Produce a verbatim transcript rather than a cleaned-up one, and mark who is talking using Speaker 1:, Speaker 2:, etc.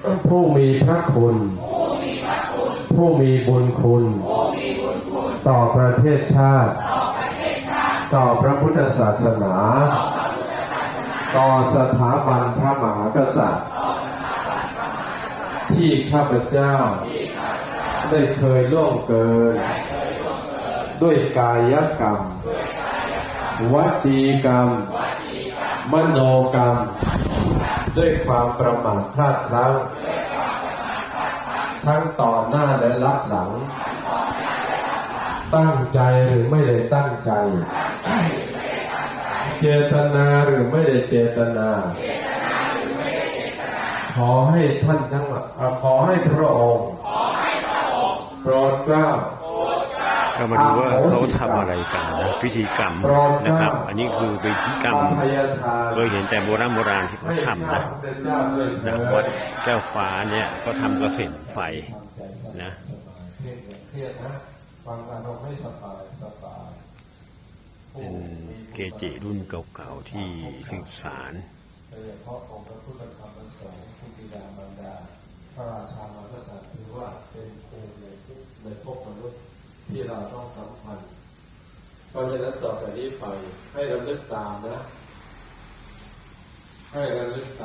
Speaker 1: ผู้มีพระคุณผู้มีบุญคุณต่อประเทศชาติต่อพระพุทธศาสนาต่อสถาบันพระมหากษัตริย์ที่ข้าพเจ้าได้เคยล่วงเกินด้วยกายกรรมวจีกรรมมโนกรรมด้วยความประมาทพลาดพลั้งทั้งต่อหน้าและรับหลังตั้งใจหรือไม่ได้ตั้งใจเจตนาหรือไม่ได้เจตนาขอให้ท่านทั้งหลายขอให้พระองค์โปรดเกล้า
Speaker 2: เรามาดูว่าเขาทำอะไรกันนะพิธีกรรมนะครับ อันนี้คือพิธีกรรมเคยเห็นแต่โบราณโบราณที่เขาทำนะนะวัดแก้วฟ้าเนี่ยเขาทำกระเส็นไฟนะเป็นเกจิรุ่นเก่าๆที่สืบสาน
Speaker 1: โดยเฉพาะองค์พระพุทธธรรมประสงค์ผู้บิดามารดาพระราชามารกษัตริย์ถือว่าเป็นภูมิในในภพมนุษย์ที่เราต้องสัมพันธ์เพราะฉะนั้นต่อจากนี้ไปให้ระลึกตามนะให้ระลึกตาม